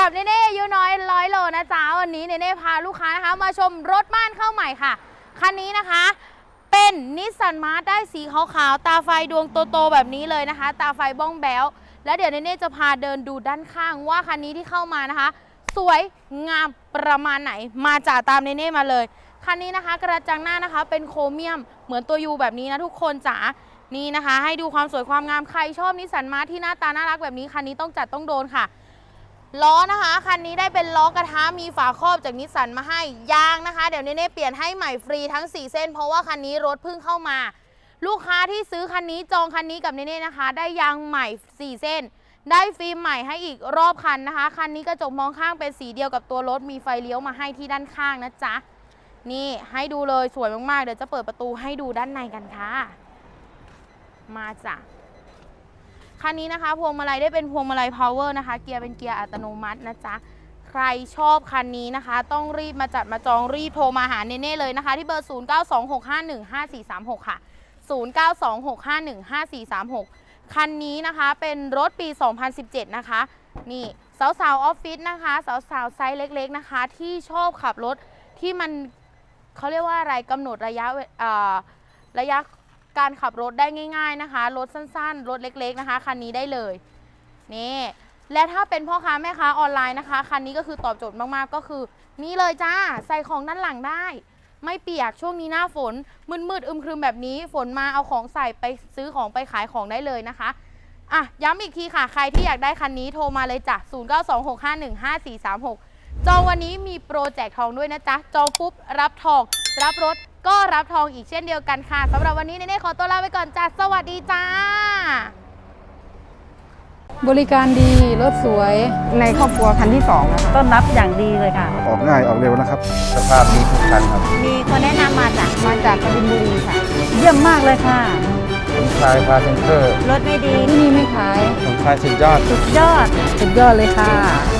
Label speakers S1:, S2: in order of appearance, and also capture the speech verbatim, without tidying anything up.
S1: กับเนเน่อายุน้อยร้อยโลนะจ๊ะวันนี้เนเน่พาลูกค้านะคะมาชมรถบ้านเข้าใหม่ค่ะคันนี้นะคะเป็นนิสสันมาร์ทได้สีขาวๆตาไฟดวงโตๆแบบนี้เลยนะคะตาไฟบ้องแบ๊วแล้วเดี๋ยวเนเน่จะพาเดินดูด้านข้างว่าคันนี้ที่เข้ามานะคะสวยงามประมาณไหนมาจากตามเนเน่มาเลยคันนี้นะคะกระจังหน้านะคะเป็นโครเมียมเหมือนตัวยูแบบนี้นะทุกคนจ๋านี่นะคะให้ดูความสวยความงามใครชอบนิสสันมาร์ทที่หน้าตาน่ารักแบบนี้คันนี้ต้องจัดต้องโดนค่ะล้อนะคะคันนี้ได้เป็นล้อกระทะมีฝาครอบจากนิสสันมาให้ยางนะคะเดี๋ยวเนเน่เปลี่ยนให้ใหม่ฟรีทั้งสี่เส้นเพราะว่าคันนี้รถเพิ่งเข้ามาลูกค้าที่ซื้อคันนี้จองคันนี้กับเนเน่นะคะได้ยางใหม่สี่เส้นได้ฟิล์มใหม่ให้อีกรอบคันนะคะคันนี้กระจกมองข้างเป็นสีเดียวกับตัวรถมีไฟเลี้ยวมาให้ที่ด้านข้างนะจ๊ะนี่ให้ดูเลยสวยมากๆเดี๋ยวจะเปิดประตูให้ดูด้านในกันค่ะมาจ้ะคันนี้นะคะพวงมาลัยได้เป็นพวงมาลัย power นะคะเกียร์เป็นเกียร์อัตโนมัตินะจ๊ะใครชอบคันนี้นะคะต้องรีบมาจัดมาจองรีบโทรมาหาเนเน่เลยนะคะที่เบอร์ศูนย์ เก้า สอง หก ห้า หนึ่ง ห้า สี่ สาม หกค่ะศูนย์ เก้า สอง หก ห้า หนึ่ง ห้า สี่ สาม หกคันนี้นะคะเป็นรถปีสองพันสิบเจ็ดนะคะนี่สาวๆออฟฟิศนะคะสาวๆไซส์เล็กๆนะคะที่ชอบขับรถที่มันเขาเรียกว่าอะไรกำหนดระยะระยะการขับรถได้ง่ายๆนะคะรถสั้นๆรถเล็กๆนะคะคันนี้ได้เลยนี่และถ้าเป็นพ่อค้าแม่ค้าออนไลน์นะคะคันนี้ก็คือตอบโจทย์มากๆก็คือนี่เลยจ้าใส่ของด้านหลังได้ไม่เปียกช่วงนี้หน้าฝนมืดๆอึมครึมแบบนี้ฝนมาเอาของใส่ไปซื้อของไปขายของได้เลยนะคะอ่ะย้ำอีกทีค่ะใครที่อยากได้คันนี้โทรมาเลยจ้ะศูนย์ เก้า สอง หก ห้า หนึ่ง ห้า สี่ สาม หกจองวันนี้มีโปรแจกทองด้วยนะจ๊ะจองปุ๊บรับทองรับรถก็รับทองอีกเช่นเดียวกันค่ะสำหรับวันนี้เนเน่ขอตัวลาไปก่อนจ้ะสวัสดีจ้า
S2: บริการดีรถสวยในครอบครัวคันที่สองนะคะ
S3: ต้อนรับอย่างดีเลยค่ะ
S4: ออกง่ายออกเร็วนะครับสภาพดีทุกคันครับ
S3: มีคนแนะนำมาจาก
S2: มาจากกบินบุรีค่ะ
S3: เยี่ยมมากเลยค่ะ
S4: สมชายพาเซนเตอร์
S3: รถไม่ดี
S2: ที่นี่ไม่ขาย
S4: สมชายสุดยอด
S3: สุดยอด
S2: สุดยอดเลยค่ะ